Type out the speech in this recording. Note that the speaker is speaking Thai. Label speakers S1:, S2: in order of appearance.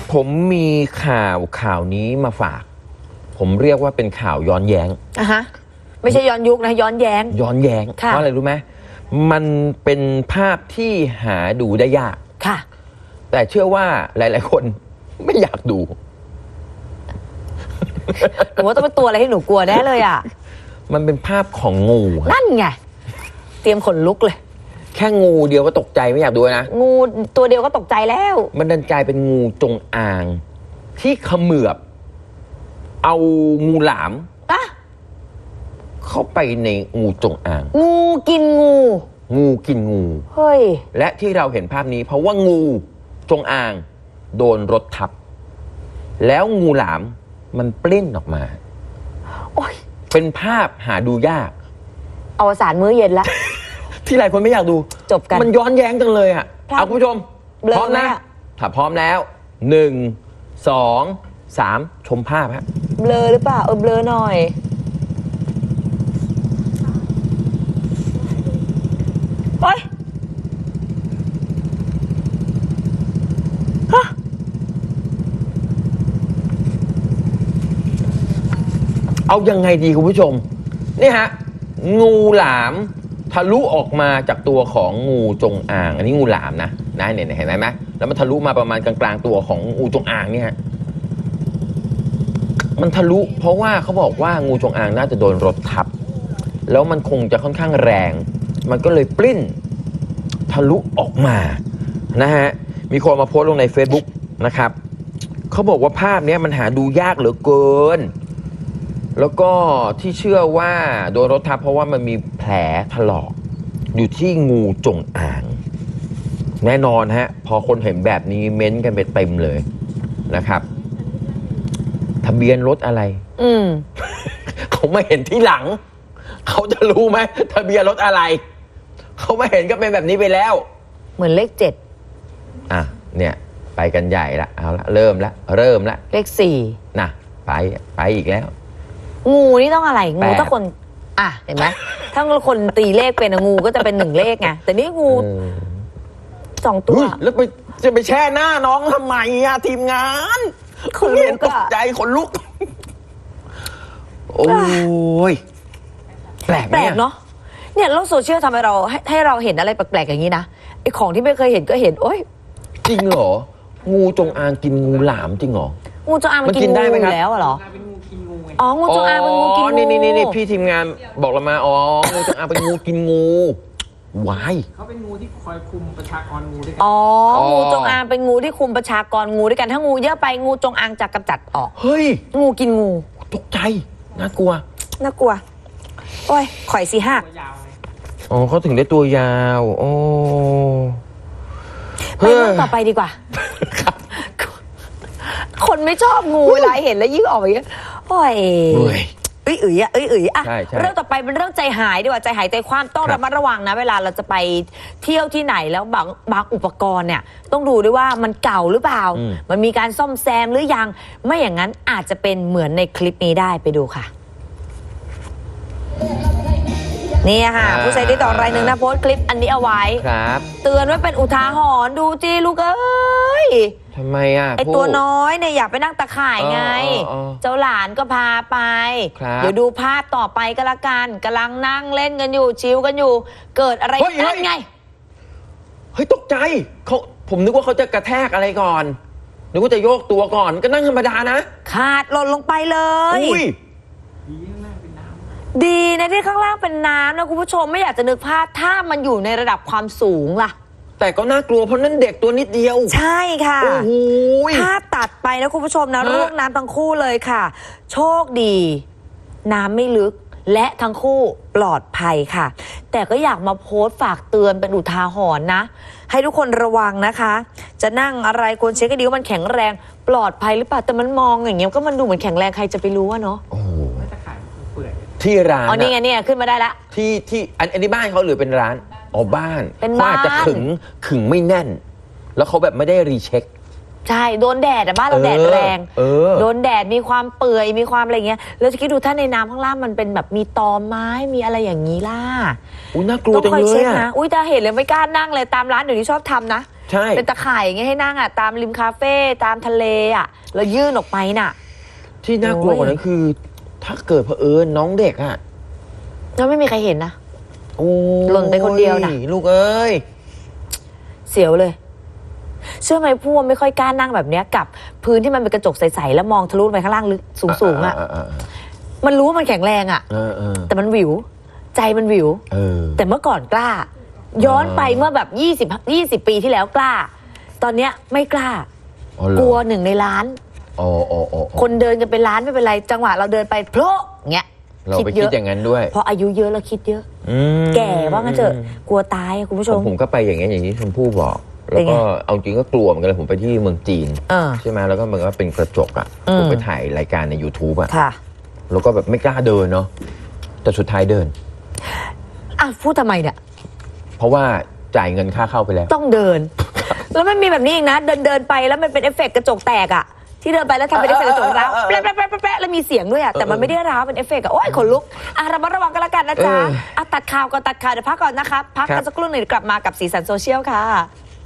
S1: ผมมีข่าวนี้มาฝาก ผมเรียกว่าเป็นข่าวย้อนแย้ง
S2: ฮะไม่ใช่ย้อนยุคนะย้อนแย้งเพราะอะไรรู้ไหม
S1: มันเป็นภาพที่หาดูได้ยาก
S2: ค่ะ
S1: แต่เชื่อว่าหลายๆคนไม่อยากดู
S2: หนูว่าต้องเป็นตัวอะไรให้หนูกลัวแน่เลยอ่ะ
S1: มันเป็นภาพของงู
S2: นั่นไงเตรียมขนลุกเลย
S1: แค่งูเดียวก็ตกใจไม่อยากดูนะ
S2: งูตัวเดียวก็ตกใจแล้ว
S1: มันดันกลายเป็นงูจงอางที่เขมือบเอางูหลามเข้าไปในงูจงอาง
S2: งูกินงูเฮ้ย
S1: และที่เราเห็นภาพนี้เพราะว่างูจงอางโดนรถทับแล้วงูหลามมันปลิ้นออกมา
S2: โอ้ย
S1: เป็นภาพหาดูยาก
S2: อวสานมื้อเย็นละ
S1: ที่หลายคนไม่อยากดู
S2: จบกัน
S1: มันย้อนแย้งจังเลยอ่ะเอาคุณผู้ชมพร้อมนะถ้าพร้อมแล้ว1 2 3ชมภาพฮะ
S2: เบลอหรือเปล่าเบลอหน่อยโอ๊ย
S1: เอายังไงดีคุณผู้ชมนี่ฮะงูหลามทะลุออกมาจากตัวของงูจงอางอันนี้งูหลามนะเนี่ยเห็นไหมแล้วมันทะลุมาประมาณกลางๆตัวของงูจงอางเนี่ยมันทะลุเพราะว่าเขาบอกว่างูจงอางน่าจะโดนรถทับแล้วมันคงจะค่อนข้างแรงมันก็เลยปลิ้นทะลุออกมานะฮะมีคนมาโพสต์ลงใน Facebook นะครับเขาบอกว่าภาพนี้มันหาดูยากเหลือเกินแล้วก็ที่เชื่อว่าโดนรถทับเพราะว่ามันมีแผลถลอกอยู่ที่งูจงอางแน่นอนฮะพอคนเห็นแบบนี้เม้นต์กันไปเต็มเลยนะครับทะเบียนรถอะไรเขาไม่เห็นที่หลังเขาจะรู้ไหมทะเบียนรถอะไรเขาไม่เห็นก็เป็นแบบนี้ไปแล้ว
S2: เหมือนเลข7
S1: เนี่ยไปกันใหญ่ละเอาละเริ่มละ
S2: เลข4
S1: นะไปอีกแล้ว
S2: งูนี่ต้องอะไรงูถ้าคนเห็นไหมถ้าคนตีเลขเป็นงูก็จะเป็น1เลขไงแต่นี่งู2ตัว
S1: แล้วจะไปแช่หน้าน้องทำไมทีมงาน
S2: คนเห็น
S1: ตกใจขนลุกโอ้ยแปลก
S2: เนาะเนี่ยโลกโซเชียลทำให้เราเห็นอะไรแปลกๆอย่างนี้นะไอของที่ไม่เคยเห็นก็เห็นโอ้ย
S1: จริงเหรองูจงอางกินงูหลามจริงเหรอ
S2: งูจงอางมันกินงูอยู่แล้วเหรองูจงอางเป็นงูกินงู
S1: นี่พี่ทีมงานบอกเรามางูจงอางเป็นงูกินงูวาย
S3: เขาเป็นงูที่คอยคุมประชากรงูด้วย
S2: กันงูจงอางเป็นงูที่คุมประชากรงูด้วยกันถ้างูเยอะไปงูจงอางจะกำจัดออก
S1: เฮ้ย
S2: งูกินงู
S1: ตกใจน่ากลัว
S2: โอ้ยข่อยสิหัก
S1: เขาถึงได้ตัวยาว
S2: ไปเรื่องต่อไปดีกว่าคนไม่ชอบงูเวลาเห็นแล้วยิ่งออกอย่างเงี้ยโอ้ยเรื่องต่อไปเป็นเรื่องใจหายดีกว่าใจหายใจคว่ำต้องระมัดระวังนะเวลาเราจะไปเที่ยวที่ไหนแล้วบางอุปกรณ์เนี่ยต้องดูด้วยว่ามันเก่าหรือเปล่ามันมีการซ่อมแซมหรือยังไม่อย่างนั้นอาจจะเป็นเหมือนในคลิปนี้ได้ไปดูค่ะนี่ค่ะผู้ใช้ที่ต่อรายหนึ่งนะโพสต์คลิปอันนี้เอาไว้เตือนไว้เป็นอุทาหรณ์ดูจีลูกเอ้ย
S1: ทำไม
S2: ไอตัวน้อยเนี่ยอยากไปนั่งตะข่ายไงเจ้าหลานก็พาไปเดี๋ยวดูภาพต่อไปก็แล้วกันกำลังนั่งเล่นกันอยู่ชิลกันอยู่เกิดอะไรขึ้นไง
S1: เฮ้ยตกใจผมนึกว่าเขาจะกระแทกอะไรก่อนนึกว่าจะโยกตัวก่อนก็นั่งธรรมดานะ
S2: ขาดหล่นลงไปเลยดีนะที่ข้างล่างเป็นน้ำนะคุณผู้ชมไม่อยากจะนึกภาพถ้ามันอยู่ในระดับความสูงล่ะ
S1: แต่ก็น่ากลัวเพราะนั่นเด็กตัวนิดเดียว
S2: ใช่ค่ะ
S1: โอ้โห
S2: ภาพตัดไปนะคุณผู้ชมนะร่วงน้ำทั้งคู่เลยค่ะโชคดีน้ำไม่ลึกและทั้งคู่ปลอดภัยค่ะแต่ก็อยากมาโพสต์ฝากเตือนเป็นอุทาหรณ์นะให้ทุกคนระวังนะคะจะนั่งอะไรควรเช็คให้ดีว่ามันแข็งแรงปลอดภัยหรือเปล่าแต่มันมองอย่างเงี้ยก็มันดูเหมือนแข็งแรงใครจะไปรู้วะเนาะ
S1: ที่ร้าน
S2: นี่ไงเนี่ยขึ้นมาได้ละ
S1: ที่อันนี้บ้านเขาหรือเป็นร้านบ้าน
S2: เป็นบ้าน
S1: จะขึงไม่แน่นแล้วเขาแบบไม่ได้รีเช็ค
S2: ใช่โดนแดดบ้านเราแดดแรงโดนแดดมีความเปื่อยมีความอะไรเงี้ยแล้วจะคิดดูถ้าในน้ำข้างล่างมันเป็นแบบมีตอไม้มีอะไรอย่างนี้ล่ะ
S1: น่ากลัวจังเลย
S2: นะแต่เห็นเลยไม่กล้านั่งเลยตามร้านเดี๋ยวนี้ชอบทำนะ
S1: ใช่
S2: เป็นตะข่ายอย่างเงี้ยให้นั่งอ่ะตามริมคาเฟ่ตามทะเลอ่ะแล้วยื่นออกไปน่ะ
S1: ที่น่ากลัวกว่านั้นคือ ถ้าเกิดเผอิญน้องเด็กอะ
S2: แล้วไม่มีใครเห็นนะ
S1: โอ้ย
S2: หล่นไปคนเดียวน่ะ
S1: ลูกเอ้ย
S2: เสียวเลย เชื่อไหมพวกไม่ค่อยกล้านั่งแบบเนี้ยกับพื้นที่มันเป็นกระจกใสๆแล้วมองทะลุไปข้างล่างลึกสูงๆอ่ะมันรู้ว่ามันแข็งแรงอ่ะแต่มันหวิวใจมันหวิวแต่เมื่อก่อนกล้า ย้อนไปเมื่อแบบ20 ปีที่แล้วกล้า ตอนเนี้ยไม่กล้ากลัว1 ในล้านคนเดินกันเป็นล้านไม่เป็นไรจังหวะเราเดินไปโผล่เงี้ย
S1: เราไปคิดอย่างนั้นด้วย
S2: เพราะอายุเยอะแล้วคิดเยอะแก่ว่างั้นเถอะกลัวตายคุณผู้ชม
S1: ผมก็ไปอย่างนี้อย่างที่ชมพู่บอกแล้วก็เอาจริงก็กลัวเหมือนกันเลยผมไปที่เมืองจีนใช่ไหมแล้วก็มันก็เป็นกระจกอ่ะผมไปถ่ายรายการใน YouTube อ่ะแล้วก็แบบไม่กล้าเดินเนาะแต่สุดท้ายเดิน
S2: พูดทำไมเนี่ย
S1: เพราะว่าจ่ายเงินค่าเข้าไปแล้ว
S2: ต้องเดิน แล้วมันมีแบบนี้อีกนะเดินไปแล้วมันเป็นเอฟเฟกต์กระจกแตกอ่ะที่เดินไปแล้วทำเป็นเอฟเฟกต์กระจกร้าวแป๊ะแล้วมีเสียงด้วยอ่ะแต่มันไม่ได้ร้าวเป็นเอฟเฟกต์อ่ะโอ้ยขนลุกระมัดระวังกันละกันนะจ๊ะตัดข่าวก่อนตัดข่าวเดี๋ยวพักก่อนนะคะพักกันสักครู่หนึ่งกลับมากับสีสันโซเชียลค่ะ